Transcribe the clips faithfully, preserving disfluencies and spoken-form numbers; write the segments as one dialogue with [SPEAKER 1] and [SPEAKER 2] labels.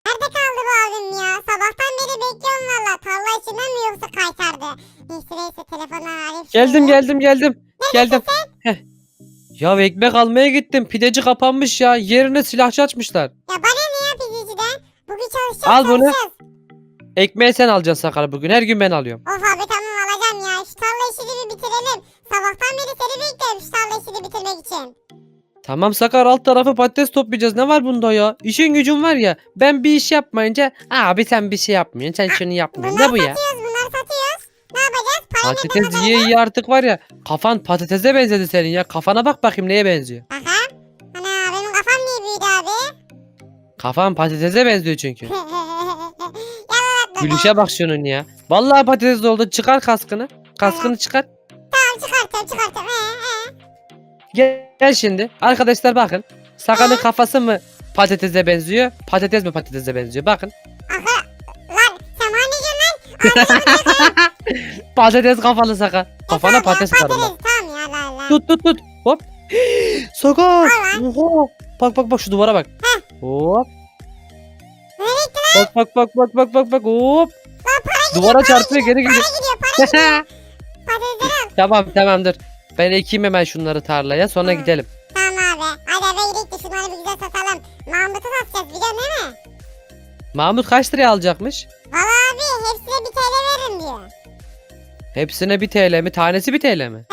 [SPEAKER 1] Nerede kaldı bu abim ya? Sabahtan beri bekliyorum valla. Tarla içinden mi yoksa kaytardı? Neyse neyse telefondan arayayım.
[SPEAKER 2] Geldim
[SPEAKER 1] şöyle.
[SPEAKER 2] geldim geldim. Geldim. Heh. Ya ekmek almaya gittim. Pideci kapanmış ya. Yerine silahçı açmışlar.
[SPEAKER 1] Ya bana ne ya pideciden? Bugün çalışacağız
[SPEAKER 2] Al bunu.
[SPEAKER 1] çalışacağız.
[SPEAKER 2] Ekmeği sen alacaksın Sakar bugün. Her gün ben alıyorum.
[SPEAKER 1] Of abi tamam alacağım ya. Şu tarla işini bir bitirelim. Sabahtan beri seni bekliyorum şu tarla işini bitirmek için.
[SPEAKER 2] Tamam Sakar, alt tarafı patates toplayacağız. Ne var bunda ya? İşin gücün var ya. Ben bir iş yapmayınca abi sen bir şey yapmıyorsun. Sen şunu yapmıyorsun.
[SPEAKER 1] Bunları
[SPEAKER 2] Ne bu ya?
[SPEAKER 1] satıyoruz bunları satıyoruz. Ne yapacağız? Para ne
[SPEAKER 2] Patates yiye yiye artık var ya. Kafan patatese benzedi senin ya. Kafana bak bakayım neye benziyor.
[SPEAKER 1] Aha. Ana benim kafam niye büyüdü abi?
[SPEAKER 2] Kafan patatese benziyor çünkü.
[SPEAKER 1] Yalan atma.
[SPEAKER 2] Gülüşe bak şunun ya. Vallahi patates oldu. Çıkar kaskını. Kaskını çıkar.
[SPEAKER 1] Tamam çıkartacağım çıkartacağım. Ee, ee.
[SPEAKER 2] Gel, gel şimdi. Arkadaşlar bakın. Sakar'ın kafası mı patatese benziyor? Patates mi patatese benziyor? Bakın.
[SPEAKER 1] Aha. Lan sen bana ne diyorsun lan?
[SPEAKER 2] Patates kafalı Sakar. Kafana
[SPEAKER 1] Tamam ya,
[SPEAKER 2] patates atarım bak.
[SPEAKER 1] Tamam ya la la.
[SPEAKER 2] Tut tut tut. Hop. Sakar.
[SPEAKER 1] Al lan.
[SPEAKER 2] Oha. Bak bak bak şu duvara bak. Hop.
[SPEAKER 1] Nereye gitti
[SPEAKER 2] Bak bak bak bak bak bak bak hop.
[SPEAKER 1] lan? Para gidiyor.
[SPEAKER 2] Duvara
[SPEAKER 1] para
[SPEAKER 2] çarpıyor
[SPEAKER 1] gidiyor,
[SPEAKER 2] geri gidiyor.
[SPEAKER 1] Para gidiyor para gidiyor. Patatesleri al.
[SPEAKER 2] Tamam tamam dur. Ben ekeyim hemen şunları tarlaya sonra
[SPEAKER 1] Hı.
[SPEAKER 2] gidelim.
[SPEAKER 1] Tamam abi. Hadi eve gidelim de şunları bir güzel satalım. Mahmut'u satacağız biliyorsun değil mi?
[SPEAKER 2] Mahmut kaç liraya alacakmış?
[SPEAKER 1] Valla abi hepsine bir T L veririm diyor.
[SPEAKER 2] Hepsine bir T L mi? Tanesi bir T L mi?
[SPEAKER 1] He.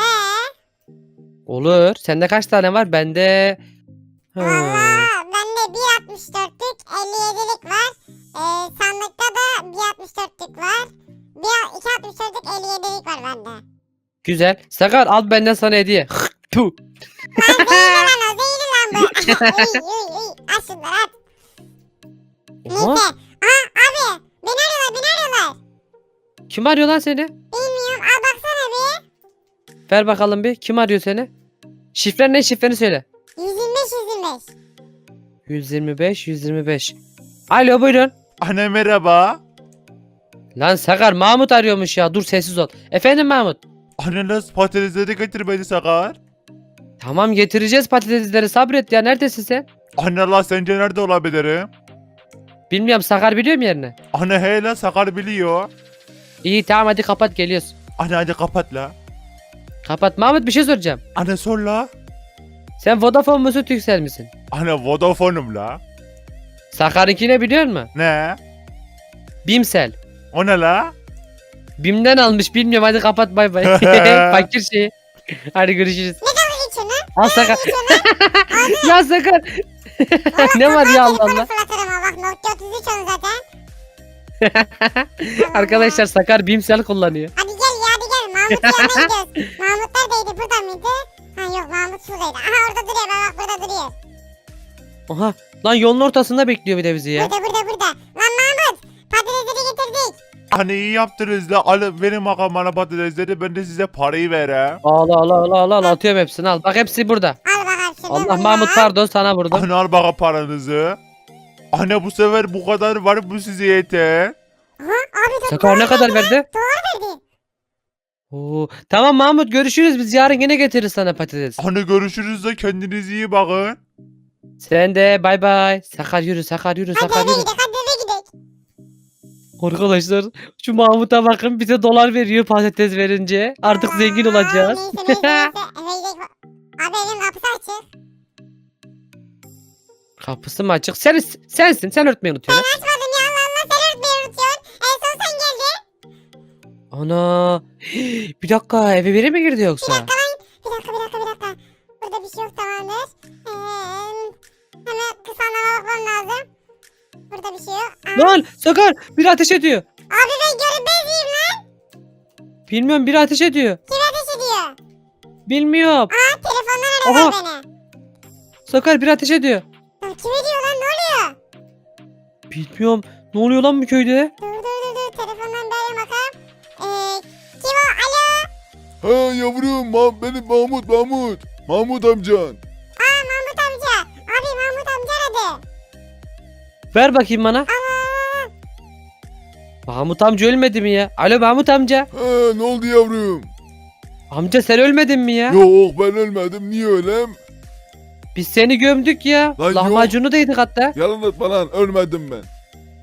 [SPEAKER 2] Olur. Sende kaç tane var? Bende... Hmm.
[SPEAKER 1] Valla bende bir altmış dörtlük elli yedilik var. Ee, sandıkta da bir altmış dörtlük var. Bir iki altmış dörtlük elli yedilik var bende.
[SPEAKER 2] Güzel. Sakar al benden sana hediye. Tuh.
[SPEAKER 1] Lan zehirli lan o zehirli lan bu. uy uy uy. Al şunları at. Neyse.
[SPEAKER 2] Oha.
[SPEAKER 1] Aha abi. Beni arıyorlar beni arıyorlar.
[SPEAKER 2] Kim arıyor lan seni?
[SPEAKER 1] Bilmiyorum al baksana bir.
[SPEAKER 2] Ver bakalım bir. Kim arıyor seni? Şifren ne? Şifreni söyle.
[SPEAKER 1] yüz yirmi beş yüz yirmi beş.
[SPEAKER 2] yüz yirmi beş yüz yirmi beş. Alo buyurun.
[SPEAKER 3] Anne merhaba.
[SPEAKER 2] Lan Sakar Mahmut arıyormuş ya. Dur sessiz ol. Efendim Mahmut.
[SPEAKER 3] Anne nasıl patatesleri getir beni Sakar.
[SPEAKER 2] Tamam getireceğiz patatesleri, sabret ya. Neredesin sen?
[SPEAKER 3] Anne la sence nerede olabilirim?
[SPEAKER 2] Bilmiyorum, Sakar biliyor mu yerini?
[SPEAKER 3] Anne hele Sakar biliyor.
[SPEAKER 2] İyi tamam hadi kapat, geliyoruz.
[SPEAKER 3] Anne hadi kapat la.
[SPEAKER 2] Kapat. Mahmut bir şey soracağım.
[SPEAKER 3] Anne sor la.
[SPEAKER 2] Sen Vodafone musun Turkcell misin?
[SPEAKER 3] Anne Vodafone'um la.
[SPEAKER 2] Sakar'ınki ne biliyor musun?
[SPEAKER 3] Ne?
[SPEAKER 2] Bimsel.
[SPEAKER 3] O ne la?
[SPEAKER 2] Bim'den almış, bilmiyorum, hadi kapat, bay bay. Fakir şey. Hadi görüşürüz.
[SPEAKER 1] Ne dalga geçiyorsun lan?
[SPEAKER 2] Al Sakar.
[SPEAKER 1] Geçiyorsun lan.
[SPEAKER 2] Ya Sakar. Ne var ya Allah Allah.
[SPEAKER 1] Fırlatırım ha bak Nokia otuz üç onu zaten.
[SPEAKER 2] Arkadaşlar Sakar Bimsel kullanıyor.
[SPEAKER 1] Hadi gel ya hadi gel Mahmut yanına gidiyoruz. Mahmut neredeydi burada mıydı? Ha yok Mahmut şuradaydı. Aha orada duruyor bak bak burada duruyor.
[SPEAKER 2] Oha. Lan yolun ortasında bekliyor bir de bizi ya.
[SPEAKER 1] Burada burada burada. Lan Mahmut patatesleri getirdik.
[SPEAKER 3] Anne iyi yaptınız la. Alın benim makam bana patatesleri ben de size parayı verem.
[SPEAKER 2] Al al al al al atıyorum hepsini, al. Bak hepsi burada.
[SPEAKER 1] Al bakalım şimdi
[SPEAKER 2] Allah
[SPEAKER 1] bunlar.
[SPEAKER 2] Mahmut pardon, sana burada.
[SPEAKER 3] Anne al bana paranızı. Anne bu sefer bu kadar var bu size yeter.
[SPEAKER 1] Aha abi dur.
[SPEAKER 2] Sakar ne kadar verdi?
[SPEAKER 1] verdi.
[SPEAKER 2] Oo, tamam Mahmut görüşürüz, biz yarın yine getiririz sana patates.
[SPEAKER 3] Anne görüşürüz de kendinize iyi bakın.
[SPEAKER 2] Sen de bay bay. Sakar yürü, Sakar yürü,
[SPEAKER 1] Hadi
[SPEAKER 2] Sakar
[SPEAKER 1] eve
[SPEAKER 2] yürü.
[SPEAKER 1] gidelim hadi eve gidelim.
[SPEAKER 2] Arkadaşlar şu Mahmut'a bakın, bize dolar veriyor patates verince. Artık zengin
[SPEAKER 1] Aa,
[SPEAKER 2] olacağız.
[SPEAKER 1] Neyse neyse neyse eve gidelim. Abi evin kapısı açık.
[SPEAKER 2] Kapısı mı açık? Sen, sensin, sen örtmeyi unutuyorsun. ha?
[SPEAKER 1] Açmadım ya Allah Allah sen örtmeyi unutuyorsun. En son sen geldin.
[SPEAKER 2] Ana. Bir dakika, eve biri mi girdi yoksa?
[SPEAKER 1] Bir dakika lan. Bir dakika bir dakika bir dakika. Burada bir şey yok tamamdır. Ee, hemen kısa anama bakmam lazım. Burada bir şey yok. Aa,
[SPEAKER 2] Lan Sakar biri ateş ediyor.
[SPEAKER 1] abi ben görünmeziyim lan.
[SPEAKER 2] Bilmiyorum, biri ateş ediyor.
[SPEAKER 1] Kim ateş ediyor?
[SPEAKER 2] Bilmiyorum.
[SPEAKER 1] Aa telefondan arıyorlar beni.
[SPEAKER 2] Sakar biri ateş ediyor.
[SPEAKER 1] Ya, kim ediyor lan ne oluyor?
[SPEAKER 2] Bilmiyorum. Ne oluyor lan bu köyde?
[SPEAKER 1] Dur dur dur dur telefondan bir arayayım bakalım. Ee, kim o? Alo.
[SPEAKER 4] Ha yavrum ma benim Mahmut Mahmut. Mahmut amcan.
[SPEAKER 1] Aa Mahmut amca. Abi Mahmut amca aradı.
[SPEAKER 2] Ver bakayım bana.
[SPEAKER 1] Aa,
[SPEAKER 2] Mahmut amca ölmedi mi ya? Alo Mahmut amca.
[SPEAKER 4] Ha ne oldu yavrum?
[SPEAKER 2] Amca sen ölmedin mi ya?
[SPEAKER 4] Yok ben ölmedim niye ölem?
[SPEAKER 2] Biz seni gömdük ya.
[SPEAKER 4] Lan yok.
[SPEAKER 2] Lahmacunu da yedik hatta.
[SPEAKER 4] Yalan atma lan ölmedim ben.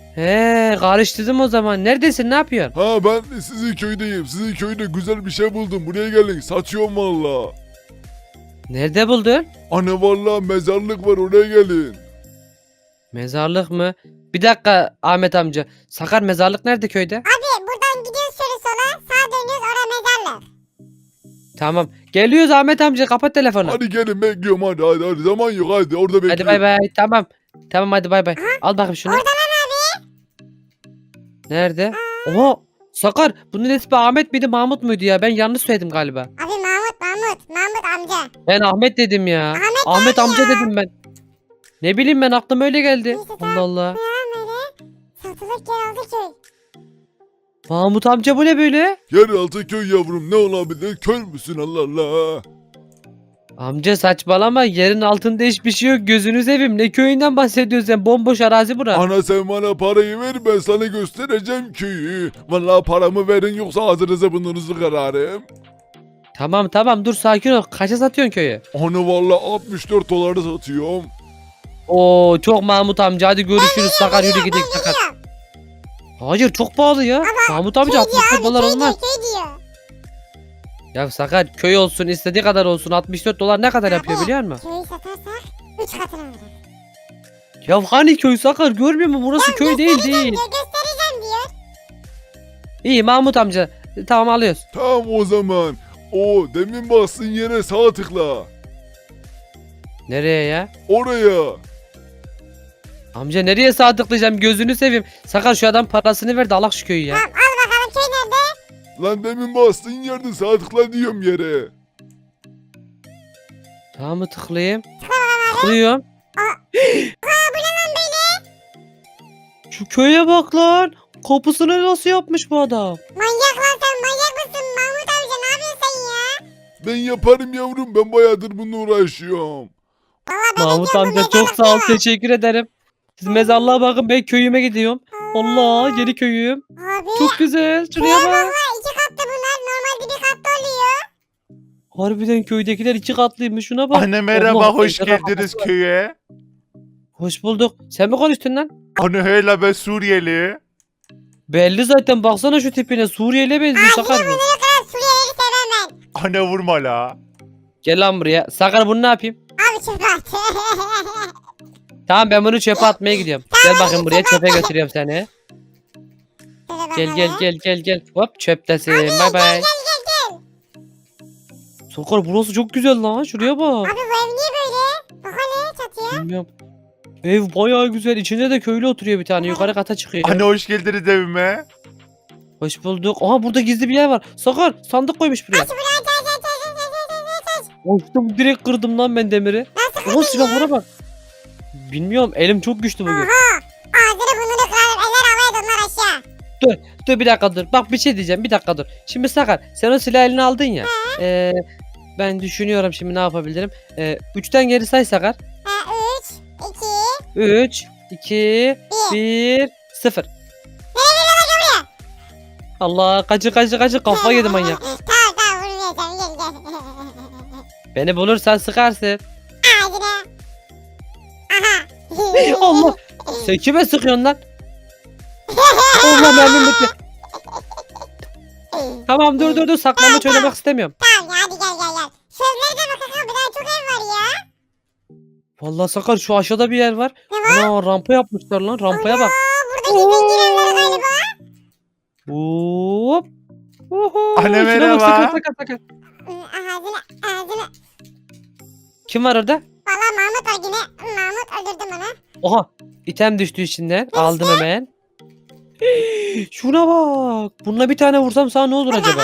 [SPEAKER 2] He karıştırdım o zaman. Neredesin, ne yapıyorsun?
[SPEAKER 4] Ha ben sizin köydeyim. Sizin köyde güzel bir şey buldum. Buraya gelin. Satıyorum valla.
[SPEAKER 2] Nerede buldun?
[SPEAKER 4] Ana valla mezarlık var oraya gelin.
[SPEAKER 2] Mezarlık mı? Bir dakika Ahmet amca. Sakar mezarlık nerede köyde?
[SPEAKER 1] Abi buradan gidiyoruz şöyle sola. Sağa dönüyoruz oraya mezarlık.
[SPEAKER 2] Tamam. Geliyoruz Ahmet amca, kapat telefonu.
[SPEAKER 4] Hadi gelin bekliyorum hadi hadi hadi. Zaman yok hadi orada bekliyorum.
[SPEAKER 2] Hadi bay bay. Tamam. Tamam hadi bay bay. Al bakayım şunu.
[SPEAKER 1] Orada lan abi.
[SPEAKER 2] Nerede? Oha. Sakar bunun ismi Ahmet miydi Mahmut muydu ya? Ben yanlış söyledim galiba.
[SPEAKER 1] Abi Mahmut Mahmut. Mahmut amca.
[SPEAKER 2] Ben Ahmet dedim ya.
[SPEAKER 1] Ahmet
[SPEAKER 2] Ahmet
[SPEAKER 1] abi
[SPEAKER 2] amca
[SPEAKER 1] ya.
[SPEAKER 2] dedim ben. Ne bileyim ben, aklıma öyle geldi.
[SPEAKER 1] Neyse, tamam.
[SPEAKER 2] Allah Allah.
[SPEAKER 1] Ne lan böyle? Satılık yeraltı köy.
[SPEAKER 2] Mahmut amca bu ne böyle?
[SPEAKER 4] Yeraltı köy yavrum ne olabilir? Kör müsün Allah Allah?
[SPEAKER 2] Amca saçmalama, yerin altında hiçbir şey yok, gözünü seveyim. Ne köyünden bahsediyorsun sen? Bomboş arazi bura.
[SPEAKER 4] Ana sen bana parayı ver ben sana göstereceğim köyü. Valla paramı verin yoksa ağzınıza burnunuzu kırarım.
[SPEAKER 2] Tamam tamam dur, sakin ol. Kaça satıyorsun köyü?
[SPEAKER 4] Onu valla altmış dört dolara satıyorum.
[SPEAKER 2] Oo çok Mahmut amca, hadi görüşürüz. Sakar yürü gidelim Sakar.
[SPEAKER 1] Gidiyor.
[SPEAKER 2] Hayır çok pahalı ya. Mahmut amca
[SPEAKER 1] Köy
[SPEAKER 2] altmış
[SPEAKER 1] diyor
[SPEAKER 2] dört
[SPEAKER 1] abi.
[SPEAKER 2] dolar
[SPEAKER 1] Köy
[SPEAKER 2] olmaz.
[SPEAKER 1] diyor. Köy diyor.
[SPEAKER 2] Ya Sakar köy olsun istediği kadar olsun, altmış dört dolar ne kadar yapıyor
[SPEAKER 1] Abi,
[SPEAKER 2] biliyor musun?
[SPEAKER 1] Köyü satarsak üç katını alırız.
[SPEAKER 2] Ya hani köy Sakar, görmüyor musun? Burası köy değil
[SPEAKER 1] Göstereceğim
[SPEAKER 2] değil.
[SPEAKER 1] diyor. Göstereceğim diyor.
[SPEAKER 2] İyi Mahmut amca, tamam alıyoruz.
[SPEAKER 4] Tamam o zaman. O demin bastığın yere sağ tıkla.
[SPEAKER 2] Nereye ya?
[SPEAKER 4] Oraya.
[SPEAKER 2] Amca nereye sağ tıklayacağım, gözünü seveyim. Sakar şu adam parasını ver de alak şu köyü ya.
[SPEAKER 1] Tamam al bakalım köy nerede?
[SPEAKER 4] Lan demin bastığın yerde sağ tıkla diyorum yere.
[SPEAKER 2] Tamam mı tıklayayım? Tıklıyorum. Şu köye bak lan. Kapısını nasıl yapmış bu adam?
[SPEAKER 1] Manyak lan sen manyak mısın Mahmut amca ne yapıyorsun sen ya?
[SPEAKER 4] Ben yaparım yavrum ben bayağıdır bununla uğraşıyorum.
[SPEAKER 1] Valla ben
[SPEAKER 2] Mahmut
[SPEAKER 1] gidiyorum, bu
[SPEAKER 2] amca çok sağ ol,
[SPEAKER 1] mezarlıkta var.
[SPEAKER 2] teşekkür ederim. Siz mezarlığa bakın, ben köyüme gidiyorum. Allah yeni köyüm.
[SPEAKER 1] Abi
[SPEAKER 2] Çok güzel. Şuraya
[SPEAKER 1] köye bak
[SPEAKER 2] bak.
[SPEAKER 1] lan iki katlı bunlar normalde bir katlı oluyor.
[SPEAKER 2] Harbiden köydekiler iki katlıymış, şuna bak.
[SPEAKER 3] Anne merhaba
[SPEAKER 2] Allah,
[SPEAKER 3] hoş
[SPEAKER 2] ejderha
[SPEAKER 3] geldiniz
[SPEAKER 2] kafası var.
[SPEAKER 3] köye.
[SPEAKER 2] Hoş bulduk. Sen mi konuştun lan?
[SPEAKER 3] Anne hele ben Suriyeli.
[SPEAKER 2] Belli zaten, baksana şu tipine. Suriyeli'ye benziyor Sakar bu.
[SPEAKER 1] Ne kadar Suriyelileri sevmem ben.
[SPEAKER 3] Anne vurma la.
[SPEAKER 2] Gel lan buraya. Sakar bunu ne yapayım?
[SPEAKER 1] Abi çöpe at.
[SPEAKER 2] Tamam ben bunu çöpe atmaya gidiyorum. Gel bakayım buraya, çöpe götürüyorum seni.
[SPEAKER 1] Şöyle
[SPEAKER 2] Gel gel
[SPEAKER 1] bakalım.
[SPEAKER 2] gel gel gel. Hop çöptesin. Bay bay.
[SPEAKER 1] Gel gel gel.
[SPEAKER 2] Sakar burası çok güzel lan. Şuraya bak.
[SPEAKER 1] Abi bu ev niye böyle? Bak hele çatıya.
[SPEAKER 2] Bilmiyorum. Ev bayağı güzel. İçinde de köylü oturuyor bir tane. Yukarı kata çıkıyor.
[SPEAKER 3] Anne hoş geldiniz evime.
[SPEAKER 2] Hoş bulduk. Aha burada gizli bir yer var. Sakar sandık koymuş buraya.
[SPEAKER 1] Aç buraya aç aç aç aç aç aç aç aç.
[SPEAKER 2] Açtım direkt, kırdım lan ben demiri.
[SPEAKER 1] Nasıl
[SPEAKER 2] Oha
[SPEAKER 1] kırdın ya?
[SPEAKER 2] silahlara bak. Bilmiyorum, elim çok güçlü bugün.
[SPEAKER 1] Oha. Ağzını burnunu kırarım. Eller havaya donlar aşağı.
[SPEAKER 2] Dur bir dakika dur. Bak bir şey diyeceğim, bir dakika dur. Şimdi Sakar sen o silahı eline aldın ya. Ee, ben düşünüyorum şimdi ne yapabilirim. Ee, üçten geri say Sakar.
[SPEAKER 1] Ha üç, iki,
[SPEAKER 2] üç, iki,
[SPEAKER 1] bir.
[SPEAKER 2] bir, sıfır. Allah kaçı kaçı kaçı, kafa yedi manyak.
[SPEAKER 1] Tamam tamam vurmayacağım gel gel.
[SPEAKER 2] Beni bulursan sıkarsın.
[SPEAKER 1] Ağzına. Aha.
[SPEAKER 2] Allah. Sen kime sıkıyorsun lan? Allah mermim bitti. Tamam dur dur dur, saklanmaç oynamak istemiyorum.
[SPEAKER 1] Tamam ya hadi gel gel gel. Şu evlere de bakalım bir daha çok ev var ya.
[SPEAKER 2] Vallahi Sakar şu aşağıda bir yer var.
[SPEAKER 1] Ne var?
[SPEAKER 2] Ana rampa yapmışlar lan, rampaya bak.
[SPEAKER 1] Aa, burada gizli girenler galiba.
[SPEAKER 2] Hop. Oho.
[SPEAKER 3] Anne,
[SPEAKER 2] şuna bak,
[SPEAKER 3] merhaba.
[SPEAKER 2] Sakar Sakar Sakar.
[SPEAKER 1] Hı, Ağzına ağzına.
[SPEAKER 2] Kim var orada?
[SPEAKER 1] Valla Mahmut var yine. Mahmut öldürdüm onu.
[SPEAKER 2] Oha. İtem düştü içinden. Aldım hemen. Şuna bak. Bununla bir tane vursam sana ne olur acaba?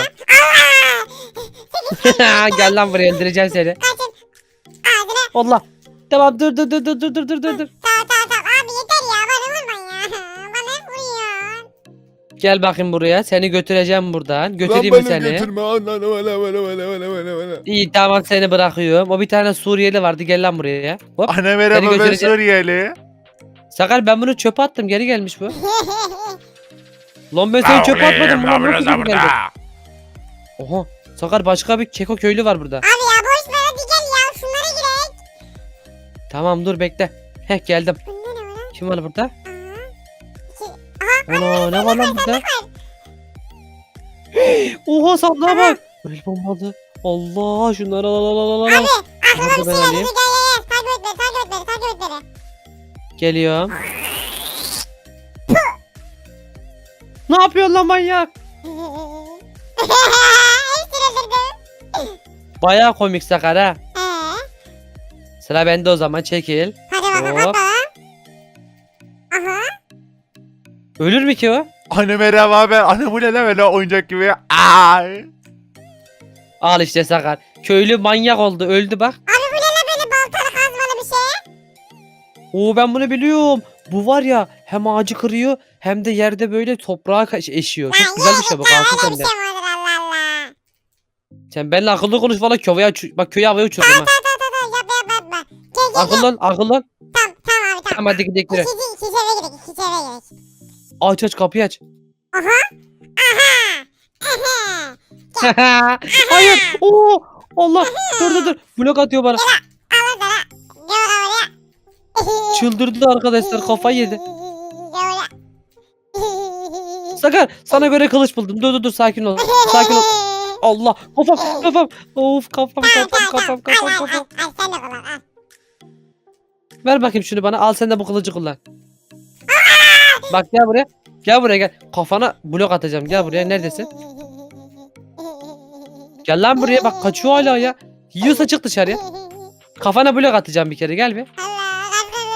[SPEAKER 2] Gel lan buraya, öldüreceğim seni.
[SPEAKER 1] Kaçın. Ağzına.
[SPEAKER 2] Allah. Tamam dur dur dur dur dur dur dur dur.
[SPEAKER 1] Tamam tamam tamam. Abi yeter ya bana vurma ya. Bana hep vuruyorsun.
[SPEAKER 2] Gel bakayım buraya. Seni götüreceğim buradan.
[SPEAKER 4] Lan
[SPEAKER 2] Götüreyim mi
[SPEAKER 4] beni
[SPEAKER 2] seni?
[SPEAKER 4] götürme. Lan lan öyle öyle öyle öyle öyle öyle.
[SPEAKER 2] İyi tamam, seni bırakıyorum. O bir tane Suriyeli vardı. Gel lan buraya. Hop.
[SPEAKER 3] Anne merhaba ben
[SPEAKER 2] götüreceğim.
[SPEAKER 3] Suriyeli.
[SPEAKER 2] Sakar ben bunu çöpe attım. Geri gelmiş bu. Lan ben seni çöpe atmadım. Bunlar nasıl geri geldi? Oha. Sakar başka bir keko köylü var burada.
[SPEAKER 1] Abi ya boş ver hadi gel ya. Şunlara girek.
[SPEAKER 2] Tamam dur bekle. Heh geldim.
[SPEAKER 1] Bunda ne var lan?
[SPEAKER 2] Kim var burada?
[SPEAKER 1] Aha. İki,
[SPEAKER 2] Ana ne var lan burada? Oha sandığa bak. El bombalı. Allah şunları al al al al al.
[SPEAKER 1] Abi aklıma
[SPEAKER 2] Nerede
[SPEAKER 1] bir
[SPEAKER 2] ben
[SPEAKER 1] şey geldi.
[SPEAKER 2] alayım?
[SPEAKER 1] Gel gel gel. Takip et beni takip et beni takip et beni.
[SPEAKER 2] Geliyorum. Ne yapıyorsun lan manyak?
[SPEAKER 1] Hepsini öldürdüm.
[SPEAKER 2] Bayağı komik Sakar ha.
[SPEAKER 1] Ee,
[SPEAKER 2] Sıra bende o zaman çekil.
[SPEAKER 1] hadi bakalım
[SPEAKER 2] Hop.
[SPEAKER 1] bakalım. Aha.
[SPEAKER 2] Ölür mü ki o?
[SPEAKER 3] Anne merhaba abi. Anne bu ne lan böyle oyuncak gibi. Ay.
[SPEAKER 2] Al işte Sakar. Köylü manyak oldu öldü bak.
[SPEAKER 1] Abi bu ne lan böyle baltalı kazmalı bir şey?
[SPEAKER 2] Oo ben bunu biliyorum. Bu var ya hem ağacı kırıyor hem de yerde böyle toprağa ka- eşiyor. Çok güzel bir şey bu.
[SPEAKER 1] Ya
[SPEAKER 2] Kalsın
[SPEAKER 1] öyle bir
[SPEAKER 2] sende.
[SPEAKER 1] şey mi olur Allah Allah.
[SPEAKER 2] Sen benimle akıllı konuş valla köyü uç- bak köyü havaya uçurdum ha.
[SPEAKER 1] Tamam tamam tamam yap yap yapma. Gel gel gel.
[SPEAKER 2] Akıllı ol akıllı ol.
[SPEAKER 1] Tamam tamam abi tamam.
[SPEAKER 2] Tamam hadi gidelim.
[SPEAKER 1] İkinci, ikinci eve gidelim. İkinci eve gidelim.
[SPEAKER 2] Aç aç kapıyı aç.
[SPEAKER 1] Aha. Aha. Aha.
[SPEAKER 2] Hayır. Oo Allah. Dur dur dur. Blok atıyor bana.
[SPEAKER 1] Al sana. Gel oraya.
[SPEAKER 2] Çıldırdı arkadaşlar kafayı yedi.
[SPEAKER 1] Gel oraya.
[SPEAKER 2] Sakar sana göre kılıç buldum. Dur dur dur sakin ol. Sakin ol. Allah kafam kafam. Of kafam
[SPEAKER 1] Tamam
[SPEAKER 2] kafam
[SPEAKER 1] tamam
[SPEAKER 2] kafam
[SPEAKER 1] tamam. Al
[SPEAKER 2] kafam
[SPEAKER 1] al
[SPEAKER 2] kafam.
[SPEAKER 1] al. Al sen de kullan al.
[SPEAKER 2] Ver bakayım şunu bana. Al sen de bu kılıcı kullan. Bak gel buraya. Gel buraya gel. Kafana blok atacağım. Gel buraya. Neredesin? Gel lan buraya. Bak kaçıyor hala ya. Yiyorsa çık dışarıya. Kafana blok atacağım bir kere. Gel bir.
[SPEAKER 1] Allah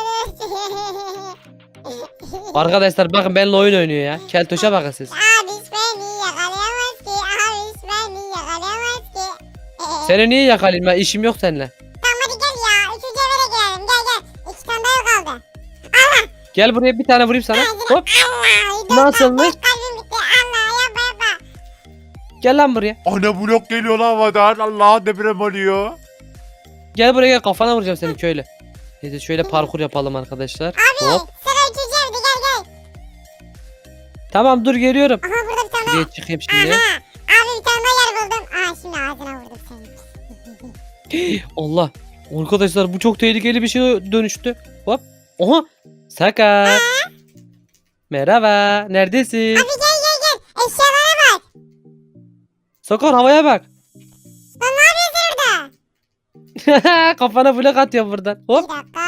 [SPEAKER 2] Arkadaşlar bakın benimle oyun oynuyor ya. Keltoş'a bakın siz.
[SPEAKER 1] Abiş beni yakalayamaz ki. Abiş beni yakalayamaz ki.
[SPEAKER 2] Seni niye yakalayayım ben? İşim yok seninle.
[SPEAKER 1] Tamam hadi gel ya. Üçüncü eve de girelim. Gel gel. İki tane daha yok kaldı.
[SPEAKER 2] Gel buraya bir tane vurayım sana. Hop.
[SPEAKER 1] Allah.
[SPEAKER 2] Nasılmış?
[SPEAKER 1] Dört kalbim bitti. Allah yapma yapma.
[SPEAKER 2] Gel lan buraya.
[SPEAKER 3] Anne blok geliyor lan havadan. Allah deprem oluyor.
[SPEAKER 2] Gel buraya gel. Kafana vuracağım seni köylü. Neyse şöyle parkur yapalım arkadaşlar.
[SPEAKER 1] Abi
[SPEAKER 2] Hop.
[SPEAKER 1] sıra üçüncü evde gel gel.
[SPEAKER 2] Tamam dur geliyorum.
[SPEAKER 1] Aha burada bir tane daha.
[SPEAKER 2] Buraya çıkayım şimdi.
[SPEAKER 1] Aha. Abi bir tane daha yer buldum. Aa şimdi ağzına vurdum seni.
[SPEAKER 2] Allah. Arkadaşlar bu çok tehlikeli bir şeye dönüştü. Hop. Oha. Sakar. Merhaba. Neredesin?
[SPEAKER 1] Abi gel gel gel. Eşyalara bak.
[SPEAKER 2] Sakar havaya bak.
[SPEAKER 1] Lan ne yapıyorsun orada?
[SPEAKER 2] Kafana blok atıyor buradan. Hop.
[SPEAKER 1] Bir dakika.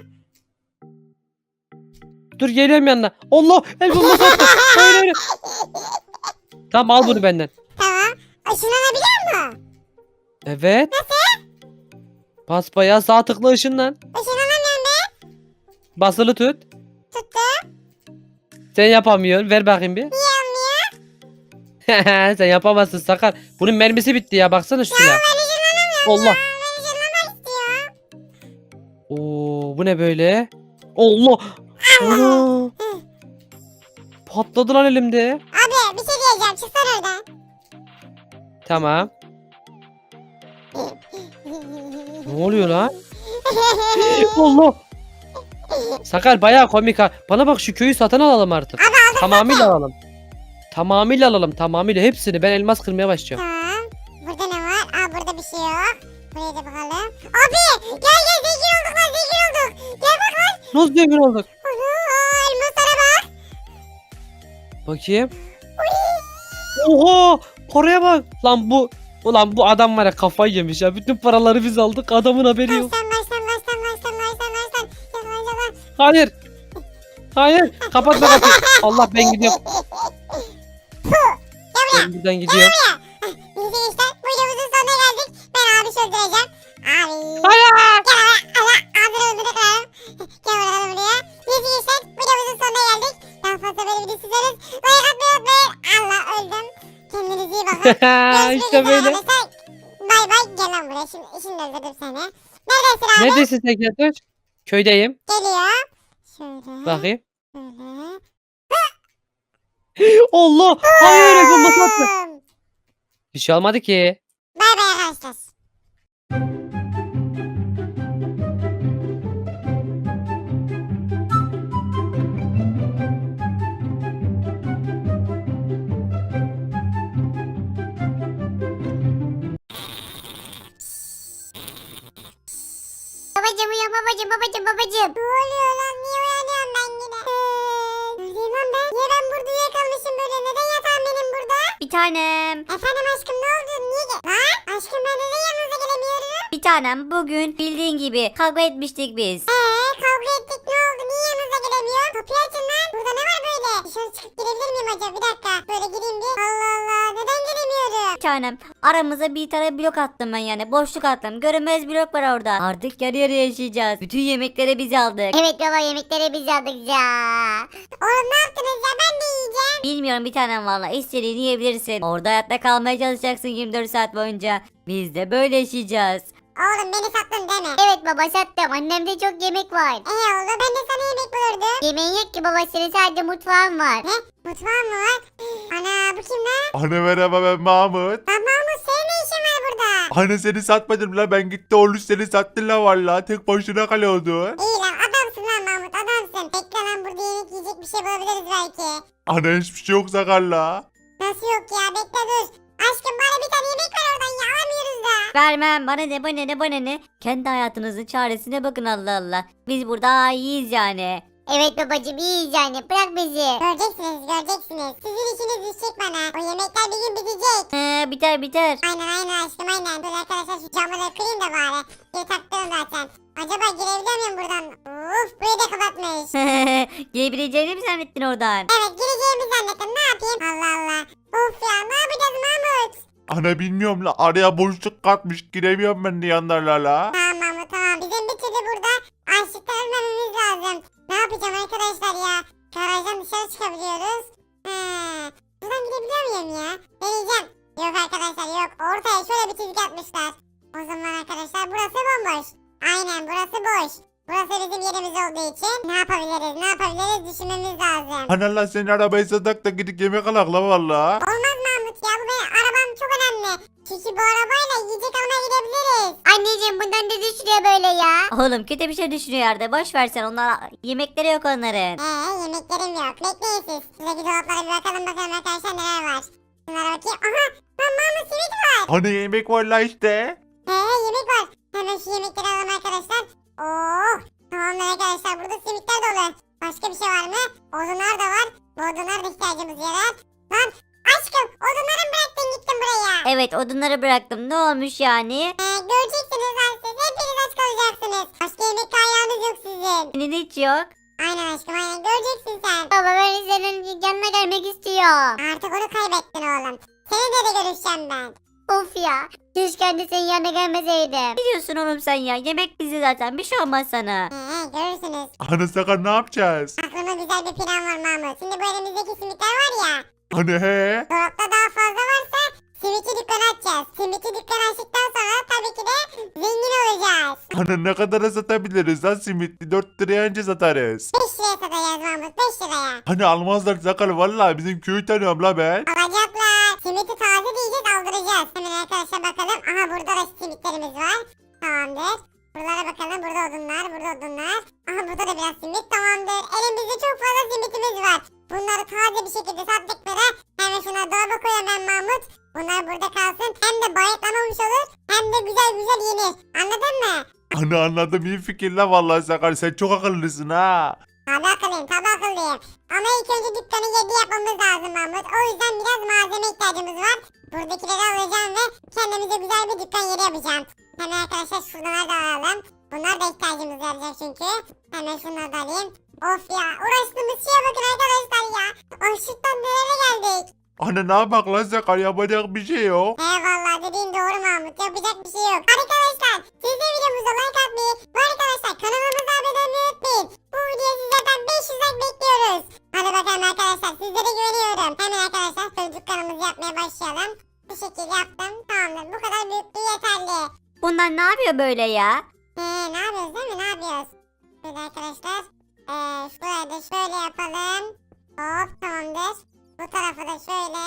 [SPEAKER 2] Dur geliyorum yanına. Allah. El bombası attı. Hayır hayır. Tamam al bunu benden.
[SPEAKER 1] Tamam. Işınlanabiliyor mu?
[SPEAKER 2] Evet. Nasıl? Basbayağı sağ tıkla ışınlan.
[SPEAKER 1] Işınlanamıyorum ben.
[SPEAKER 2] Basılı tut.
[SPEAKER 1] Tuttum.
[SPEAKER 2] Sen yapamıyorsun. Ver bakayım bir.
[SPEAKER 1] Niye olmuyor?
[SPEAKER 2] Sen yapamazsın Sakar. Bunun mermisi bitti ya. Baksana şu silah.
[SPEAKER 1] Ben ışınlanamıyorum.
[SPEAKER 2] Allah.
[SPEAKER 1] Ben ışınlanmak istiyorum.
[SPEAKER 2] Oo bu ne böyle? Allah. Ana. Patladı lan elimde.
[SPEAKER 1] Abi bir şey diyeceğim. Çıksana oradan.
[SPEAKER 2] Tamam. Ne oluyor lan? Allah. Sakar bayağı komik ha. Bana bak şu köyü satın alalım artık.
[SPEAKER 1] Abi aldım.
[SPEAKER 2] Tamamıyla alalım. Tamamıyla alalım. Tamamıyla hepsini. Ben elmas kırmaya başlayacağım.
[SPEAKER 1] Tamam. Burada ne var? Aa burada bir şey yok. Buraya da bakalım. Abi gel gel zengin olduk lan zengin olduk. Gel bak lan.
[SPEAKER 2] Nasıl zengin olduk?
[SPEAKER 1] Ana elmaslara bak.
[SPEAKER 2] Bakayım. Oha! Paraya bak. Lan bu ulan bu adam var ya kafayı yemiş ya. Bütün paraları biz aldık. Adamın haberi yok.
[SPEAKER 1] Baştan baştan baştan baştan baştan baştan. Yalan yalan.
[SPEAKER 2] Hayır. Hayır. Kapatma kapıyı. Allah ben gidiyorum. Ben buradan gidiyorum.
[SPEAKER 1] Neyse gençler bu videomuzun sonuna geldik. Ben abi öldüreceğim. Abi.
[SPEAKER 2] Hayır.
[SPEAKER 1] Gel oraya. Allah ağzını öldürdük lan. Gel buraya buraya. Neyse gençler bu videomuzun sonuna geldik. Daha fazla böyle video sizleriz. Like atmayı unutmayın. Allah öldüm. Kendinize iyi bakın. Görüşmek
[SPEAKER 2] işte
[SPEAKER 1] üzere
[SPEAKER 2] böyle.
[SPEAKER 1] arkadaşlar. Bay bay gel lan buraya. Şimdi, şimdi öldürdüm seni. Neredesin abi?
[SPEAKER 2] Neredesin sen Keltoş? Köydeyim.
[SPEAKER 1] Geliyor. Şöyle.
[SPEAKER 2] Bakayım.
[SPEAKER 1] Şöyle.
[SPEAKER 2] Allah. Hayır. El bombası attı.
[SPEAKER 1] Bum.
[SPEAKER 2] Bir şey olmadı ki.
[SPEAKER 1] Bay bay arkadaşlar. Babacım uyan babacım babacım babacım. Ne oluyor lan niye uyanıyorum ben yine? Neredeyim lan ben? Niye ben burada?
[SPEAKER 5] Bir tanem.
[SPEAKER 1] Efendim aşkım ne oldu? Niye gel? Lan aşkım ben neden yanınıza gelemiyorum?
[SPEAKER 5] Bir tanem bugün bildiğin gibi kavga etmiştik biz.
[SPEAKER 1] Eee kavga ettik ne oldu? Niye yanınıza gelemiyorum? Kapıyı açın lan. Burada ne var böyle? Dışarı çıkıp girebilir miyim acaba? Bir dakika. Böyle gireyim bir. Allah Allah. Neden gelemiyorum?
[SPEAKER 5] Bir tanem aramıza bir tane blok attım ben yani boşluk attım. Görünmez blok var orada. Artık yarı yarıya yaşayacağız. Bütün yemekleri biz aldık.
[SPEAKER 6] Evet baba yemekleri biz aldık ya.
[SPEAKER 1] Oğlum ne yaptınız ya? Ben de yiyeceğim.
[SPEAKER 5] Bilmiyorum bir tanem valla istediğini yiyebilirsin. Orada hayatta kalmaya çalışacaksın yirmi dört saat boyunca. Biz de böyle yaşayacağız.
[SPEAKER 1] Oğlum beni sattın deme.
[SPEAKER 6] Evet baba sattım. Annemde çok yemek var.
[SPEAKER 1] Eee oğlum ben de sana yemek bulurdum.
[SPEAKER 6] Yemeğin yok ki baba senin sadece mutfağın var.
[SPEAKER 1] Ne? Mutfağın mı var? Ana bu kim lan?
[SPEAKER 3] Anne merhaba ben Mahmut.
[SPEAKER 1] Lan Mahmut senin ne işin var burada?
[SPEAKER 3] Anne seni satmadım la ben gitti oğlum seni sattın la valla tek başına kalıyordun.
[SPEAKER 1] İyi lan adamsın lan Mahmut adamsın. Bekle lan burada yemek yiyecek bir şey bulabiliriz belki.
[SPEAKER 3] Anne hiçbir şey yok sakar la.
[SPEAKER 1] Nasıl yok ya bekle dur. Aşkım bana bir tane yemek ver oradan ya alamıyoruz da.
[SPEAKER 5] Vermem bana ne bana ne bana ne. Kendi hayatınızın çaresine bakın Allah Allah. Biz burada iyiyiz yani.
[SPEAKER 6] Evet babacım iyiyiz yani. Bırak bizi.
[SPEAKER 1] Göreceksiniz göreceksiniz. Sizin işiniz düşecek bana. O yemekler bir gün bitecek.
[SPEAKER 5] He, biter biter.
[SPEAKER 1] Aynen aynen aşkım aynen. Dur arkadaşlar şu camı da kırayım da bari. Bir taktım zaten. Acaba girebiliyor muyum buradan? Uf burayı da kapatmış.
[SPEAKER 5] Girebileceğini mi zannettin oradan?
[SPEAKER 1] Evet gireceğimi zannettim ne yapayım? Allah Allah. Of ya ne yapacağız Mahmut?
[SPEAKER 3] Anne bilmiyorum la araya boşluk katmış giremiyorum ben de yanlarla la.
[SPEAKER 1] Tamam Mahmut tamam. Bizim bir türlü burada açlıktan ölmememiz lazım. Ne yapacağım arkadaşlar ya? Garajdan dışarı çıkabiliyoruz. He. Buradan gidebiliyor muyum ya? Deneyeceğim. Yok arkadaşlar yok. Ortaya şöyle bir çizgi atmışlar. O zaman arkadaşlar burası bomboş. Aynen burası boş. Burası bizim yerimiz olduğu için ne yapabiliriz ne yapabiliriz düşünmemiz lazım.
[SPEAKER 3] Anne la senin arabayı satak da gidip yemek alak la valla.
[SPEAKER 1] Olmaz Mahmut ya bu benim arabam çok önemli. Çünkü bu arabayla yiyecek almaya gidebiliriz.
[SPEAKER 6] Anneciğim bundan ne düşünüyor böyle ya?
[SPEAKER 5] Oğlum kötü bir şey düşünüyor yerde. Boş versen onlar yemekleri yok onların.
[SPEAKER 1] Eee yemeklerim yok. Bekleyin siz. Şuradaki dolaplara bir bakalım bakalım arkadaşlar neler var. Şunlara bakayım. Aha lan Mahmut simit var.
[SPEAKER 3] Hani yemek var la işte.
[SPEAKER 1] He yemek var. Hemen şu yemekleri alalım arkadaşlar. Oo tamamdır arkadaşlar burada simitler dolu. Başka bir şey var mı? Odunlar da var. Bu odunlar da ihtiyacımız yarar. Lan aşkım odunları mı bıraktın gittin buraya?
[SPEAKER 5] Evet odunları bıraktım. Ne olmuş yani?
[SPEAKER 1] Ee, göreceksiniz lan siz. Hepiniz aç kalacaksınız. Başka yemek kaynağınız yok sizin.
[SPEAKER 5] Senin hiç yok.
[SPEAKER 1] Aynen aşkım aynen göreceksin sen.
[SPEAKER 6] Baba ben senin yanına gelmek istiyorum.
[SPEAKER 1] Artık onu kaybettin oğlum. Seninle de görüşeceğim ben.
[SPEAKER 6] Of ya. Keşke anne senin yanına gelmeseydim.
[SPEAKER 5] Ne diyorsun oğlum sen ya? Yemek bizi zaten. Bir şey olmaz sana.
[SPEAKER 1] Ee, görürsünüz.
[SPEAKER 3] Anne sakar ne yapacağız?
[SPEAKER 1] Aklımda güzel bir plan var Mahmut. Şimdi bu elimizdeki simitler var ya.
[SPEAKER 3] Anne he?
[SPEAKER 1] Dolapta daha fazla varsa simitçi dükkanı açacağız. Simitçi dükkanı açtıktan sonra tabii ki de zengin olacağız.
[SPEAKER 3] Anne ne kadara satabiliriz lan simitli dört liraya önce satarız.
[SPEAKER 1] beş liraya satacağız Mahmut beş liraya.
[SPEAKER 3] Hani almazlar sakar valla bizim köyü tanıyorum la ben.
[SPEAKER 1] Alacaklar. Simiti taze diyeceğiz aldıracağız. Hemen arkadaşlar bakalım. Aha burada da simitlerimiz var. Tamamdır. Buralara bakalım. Burada odunlar. Burada odunlar. Aha burada da biraz simit. Tamamdır. Elimizde çok fazla simitimiz var. Bunları taze bir şekilde sattıkları. Hemen şuna dolaba koyuyorum ben Mahmut. Bunlar burada kalsın. Hem de bayatlamamış olur. Hem de güzel güzel yenir. Anladın mı?
[SPEAKER 3] Anne anladım iyi fikir la vallahi sakar sen çok akıllısın ha.
[SPEAKER 1] Tabi akıllıyım tabi akıllıyım. Ama ilk önce dükkanı yedi yapmamız lazım Mahmut. O yüzden biraz malzeme ihtiyacımız var. Buradakileri alacağım ve kendimize güzel bir dükkan yeri yapacağım. Hemen arkadaşlar şunları da alalım. Bunlar da ihtiyacımız olacak çünkü. Hemen şunları da alayım. Of ya uğraştığımız şeye bakın arkadaşlar ya. Açlıktan nereye geldik?
[SPEAKER 3] Anne ne yapak lan sakar yapacak bir şey yok.
[SPEAKER 1] Eyvallah dediğin doğru Mahmut. Yapacak bir şey yok. Arkadaşlar siz de videomuza like atmayı ve arkadaşlar kanalımıza abone olmayı unutmayın. Bu videoya sizlerden beş yüz like bekliyoruz. Hadi bakalım arkadaşlar sizlere güveniyorum. Hemen arkadaşlar şöyle dükkanımızı yapmaya başlayalım. Bu şekilde yaptım. Tamamdır. Bu kadar büyüklüğü yeterli.
[SPEAKER 5] Bunlar ne yapıyor böyle ya?
[SPEAKER 1] Ee, ne yapıyoruz değil mi? Ne yapıyoruz? Şöyle arkadaşlar. Ee, şuraya da şöyle yapalım. Hop tamamdır. Bu tarafı da şöyle.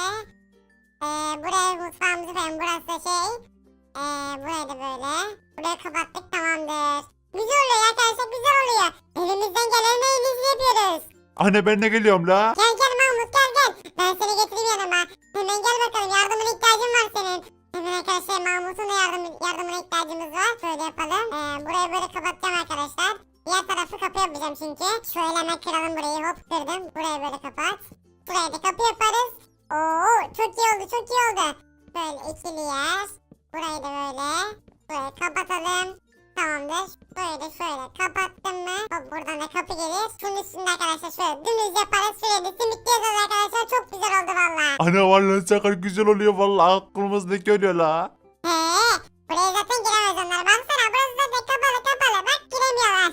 [SPEAKER 1] Ee, buraya mutfağımızı koyalım. Burası da şey. Ee, burayı da böyle. Burayı kapattık tamamdır. Güzel oluyor arkadaşlar güzel oluyor. Elimizden gelen en iyisini yapıyoruz.
[SPEAKER 3] Anne ben de geliyorum la.
[SPEAKER 1] Gel gel Mahmut gel gel. Ben seni getireyim yanıma. Hemen gel bakalım yardımına ihtiyacım var senin. Hemen arkadaşlar Mahmut'un da yardım, yardımına ihtiyacımız var. Şöyle yapalım. Ee, burayı böyle kapatacağım arkadaşlar. Diğer tarafı kapı yapacağım çünkü. Şöyle hemen kıralım burayı hop kırdım. Burayı böyle kapat. Buraya da kapı yaparız. Oo çok iyi oldu çok iyi oldu. Böyle ikili yer. Burayı da böyle. Böyle kapatalım. Tamamdır. Böyle şöyle kapattım mı? Hop buradan da kapı gelir. Şunun üstünde arkadaşlar şöyle dümdüz yaparız. Şöyle de simit yazarız arkadaşlar. Çok güzel oldu valla.
[SPEAKER 3] Ana vallahi Sakar güzel oluyor vallahi aklımızdaki oluyor la.
[SPEAKER 1] He, buraya zaten giremez onlar. Baksana burası zaten kapalı kapalı. Bak giremiyorlar.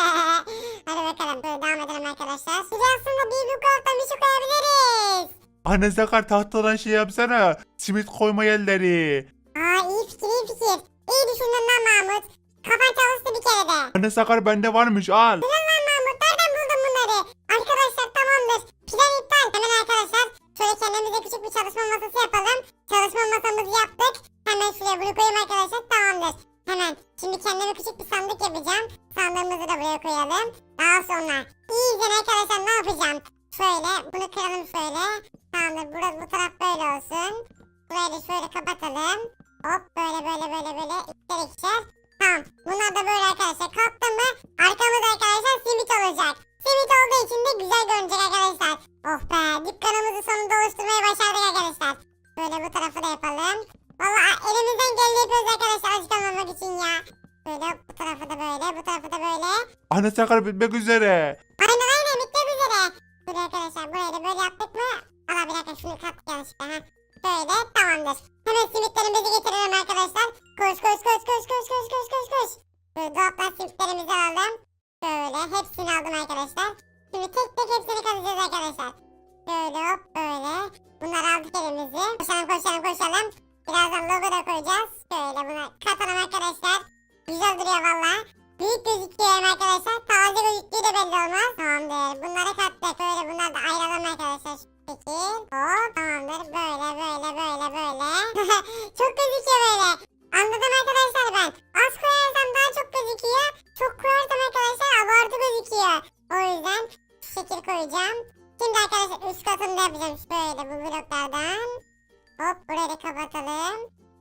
[SPEAKER 1] Hadi bakalım. Böyle devam edelim arkadaşlar. Size aslında bir bu taraftan bir şey koyabiliriz.
[SPEAKER 3] Ana Sakar tahtadan şey yapsana. Simit koyma yerleri.
[SPEAKER 1] Aa iyi fikir iyi fikir. İyi düşündün lan Mahmut. Kafan çalıştı bir kere de.
[SPEAKER 3] Ana Sakar bende varmış al.
[SPEAKER 1] Ulan lan Mahmut nereden buldun bunları? Arkadaşlar tamamdır. Plan iptal. Hemen arkadaşlar şöyle kendimize küçük bir çalışma masası yapalım. Çalışma masamızı yaptık. Hemen şuraya bunu koyayım arkadaşlar tamamdır. Hemen şimdi kendime küçük bir sandık yapacağım. Sandığımızı da buraya koyalım. Daha sonra iyice arkadaşlar ne yapacağım? Şöyle bunu kıralım şöyle. Tamamdır burası bu taraf böyle olsun. Burayı da şöyle kapatalım. Hop böyle böyle böyle böyle ikişer ikişer. Tamam. Bunlar da böyle arkadaşlar. Kalktı mı arkamızda arkadaşlar simit olacak. Simit olduğu için de güzel görünecek arkadaşlar. Oh be dükkanımızı sonunda oluşturmayı başardık arkadaşlar. Böyle bu tarafı da yapalım. Valla elimizden geldiği yapıyoruz arkadaşlar açık olmamak için ya. Böyle bu tarafı da böyle bu tarafı da böyle.
[SPEAKER 3] Ana Sakar bitmek üzere.
[SPEAKER 1] Aynen aynen bitmek üzere. Böyle arkadaşlar burayı da böyle yaptık mı? Allah bir dakika şunu kattık yanlışlıkla ha. Böyle tamamdır. Hemen simitlerimizi getirelim arkadaşlar. Koş koş koş koş koş koş koş koş koş. Böyle dolaptan simitlerimizi aldım. Böyle hepsini aldım arkadaşlar. Şimdi tek tek hepsini katacağız arkadaşlar. Böyle hop böyle. Bunları aldık elimizi. Koşalım koşalım koşalım. Birazdan logo da koyacağız. Böyle bunu katalım arkadaşlar. Güzel duruyor valla. Büyük gözüküyor hem arkadaşlar. Taze gözüktüğü de belli olmaz. Tamamdır. Bunları kattık. Böyle bunları da ayıralım arkadaşlar. Peki. Hop tamamdır. Böyle böyle böyle böyle. Çok gözüküyor böyle. Anladım arkadaşlar ben. Az koyarsam daha çok gözüküyor. Çok koyarsam arkadaşlar abartı gözüküyor. O yüzden şu şekil koyacağım. Şimdi arkadaşlar üst katını da yapacağım. Şöyle bu bloklardan. Hop burayı da kapatalım.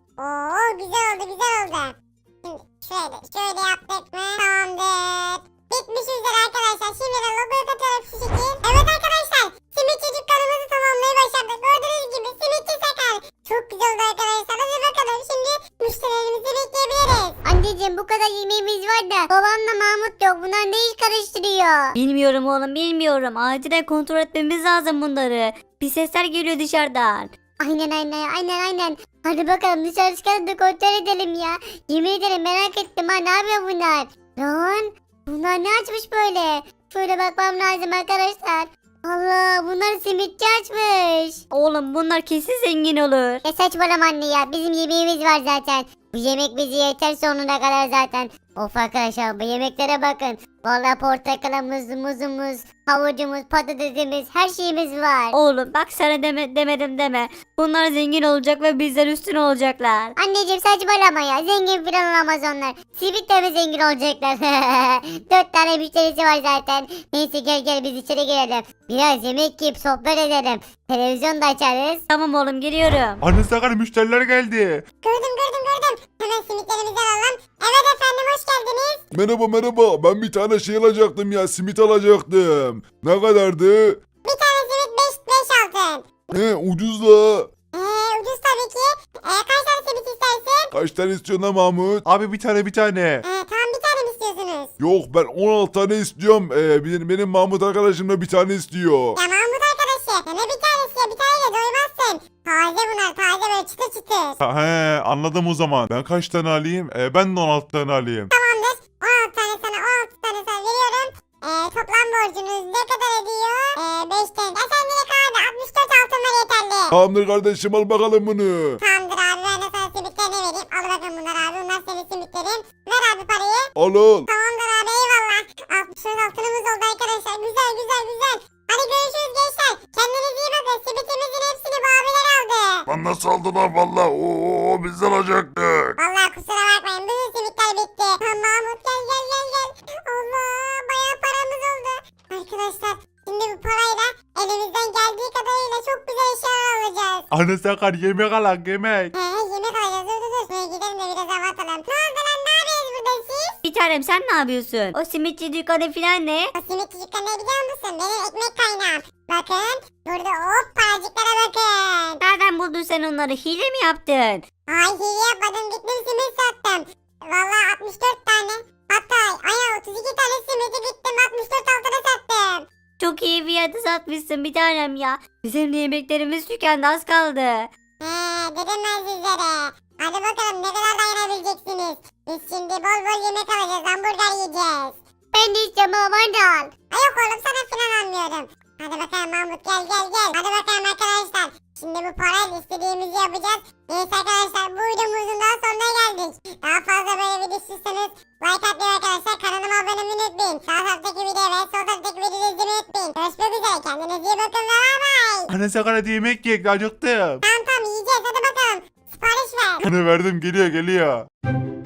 [SPEAKER 1] Oo güzel oldu güzel oldu. Şimdi şöyle şöyle yaptık mı? Tamamdır. Bitmiş üzere arkadaşlar. Şimdi de logoyu katıyorum şu şekil. Evet arkadaşlar. Simitçi dükkanımızı tamamlayı başardık. Gördüğünüz gibi simitçi Sakar. Çok güzel oldu arkadaşlar. Hadi bakalım şimdi müşterilerimizi bekleyebiliriz.
[SPEAKER 6] Anneciğim bu kadar yemeğimiz var da babamla Mahmut yok. Bunlar ne iş karıştırıyor?
[SPEAKER 5] Bilmiyorum oğlum bilmiyorum. Acilen kontrol etmemiz lazım bunları. Bir sesler geliyor dışarıdan.
[SPEAKER 6] Aynen aynen aynen aynen. Hadi bakalım dışarı çıkalım da kontrol edelim ya. Yemin ederim merak ettim ha, ne yapıyor bunlar? Lan bunlar ne açmış böyle? Şöyle bakmam lazım arkadaşlar. Allah bunlar simitçi açmış.
[SPEAKER 5] Oğlum bunlar kesin zengin olur.
[SPEAKER 6] Ne saçmalama anne ya, bizim yemeğimiz var zaten. Bu yemek bizi yeter sonuna kadar zaten. Of arkadaşlar bu yemeklere bakın. Vallahi portakalımız, muzumuz, havucumuz, patatesimiz, her şeyimiz var.
[SPEAKER 5] Oğlum bak sana deme, demedim deme. Bunlar zengin olacak ve bizden üstün olacaklar.
[SPEAKER 6] Anneciğim saçmalama ya, zengin falan olamaz onlar. Simit de mi zengin olacaklar? Dört tane müşterisi var zaten. Neyse gel gel biz içeri girelim. Biraz yemek yiyip sohbet edelim. Televizyon da açarız.
[SPEAKER 5] Tamam oğlum geliyorum.
[SPEAKER 3] Ana Sakar müşteriler geldi.
[SPEAKER 1] Gördüm gördüm gördüm. Hemen simitlerimizi alalım. Evet efendim hoş geldiniz.
[SPEAKER 4] Merhaba merhaba, ben bir tane şey alacaktım ya, simit alacaktım. Ne kadardı?
[SPEAKER 1] Bir tane simit beş altın.
[SPEAKER 4] He ucuz la.
[SPEAKER 1] Eee ucuz tabii ki. Eee kaç tane simit istersin?
[SPEAKER 4] Kaç tane istiyorsun ha Mahmut?
[SPEAKER 3] Abi bir tane bir tane.
[SPEAKER 1] Eee tamam bir tane mi istiyorsunuz?
[SPEAKER 4] Yok ben on altı tane istiyorum. Ee, benim, benim Mahmut arkadaşım da bir tane istiyor.
[SPEAKER 1] Ya Mahmut arkadaşı. Ya ne bir tanesi ya bir taneyle doymazsın. Taze bunlar taze böyle çıtır çıtır.
[SPEAKER 3] Ha, he anladım o zaman. Ben kaç tane alayım? Ee, ben de on altı tane alayım.
[SPEAKER 1] Tamamdır. on altı tane sana on altı tane sana veriyorum. Eee toplam borcunuz ne kadar ediyor? Eee beş tane. Ya sen direkt abi altmış dört altın var yeterli.
[SPEAKER 4] Tamamdır kardeşim, al bakalım bunu.
[SPEAKER 1] Tamamdır abi ben de sana simitlerini vereyim. Al bakalım bunlar abi. Bunlar senin simitlerin. Ver abi parayı.
[SPEAKER 4] Al al.
[SPEAKER 1] Tamamdır abi eyvallah. altmış dört altınımız oldu arkadaşlar. Güzel güzel güzel. Hadi görüşürüz gençler. Kendinize iyi bakın. Simitimizin hepsini bu abiler aldı.
[SPEAKER 4] Lan nasıl aldılar valla? Oo biz alacaktık.
[SPEAKER 1] Vallahi kusura bakmayın. Bütün simitler bitti. Ha, Mahmut gel gel gel gel. Allah bayağı paramız oldu. Arkadaşlar şimdi bu parayla elimizden geldiği kadarıyla çok güzel eşyalar alacağız.
[SPEAKER 3] Ana Sakar yemek alak yemek.
[SPEAKER 1] He yemek alacağız. Dur dur dur. Şuraya gidelim de biraz hava atalım. Ne oldu lan ne yapıyorsunuz burada siz?
[SPEAKER 5] Bir tanem sen ne yapıyorsun? O simitçi dükkanı falan ne?
[SPEAKER 1] O simit çocuklar ne biliyor musun? Benim ekmek kaynağım. Bakın burada hop paracıklara bakın.
[SPEAKER 5] Nereden bunları? Hile mi yaptın?
[SPEAKER 1] Ay hile yapmadım, gittim simit sattım. Valla altmış dört tane. Hatta ay otuz iki tane simidi gittim altmış dört altına sattım.
[SPEAKER 5] Çok iyi fiyatı satmışsın bir tanem ya. Bizim de yemeklerimiz tükendi, az kaldı.
[SPEAKER 1] He dedim ben sizlere. Hadi bakalım ne kadar dayanabileceksiniz. Biz şimdi bol bol yemek alacağız, hamburger yiyeceğiz.
[SPEAKER 6] Ben de istiyorum ama bana da al.
[SPEAKER 1] Ay yok oğlum, sana falan almıyorum. Hadi bakalım Mahmut, gel gel gel. Hadi bakalım arkadaşlar. Şimdi bu parayla istediğimizi yapacağız. Neyse arkadaşlar, bu videomuzun daha sonuna geldik. Daha fazla böyle video istiyorsanız like atmayı arkadaşlar. Kanalıma abone olmayı unutmayın. Sağ taraftaki videoyu ve sol taraftaki videoyu izlemeyi unutmayın. Görüşmek üzere, kendinize iyi bakın ve bay bay.
[SPEAKER 3] Anne Sakar hadi yemek yiyek, acıktım.
[SPEAKER 1] Tamam tamam yiyeceğiz, hadi bakalım. Sipariş ver.
[SPEAKER 3] Anne verdim, geliyor geliyor.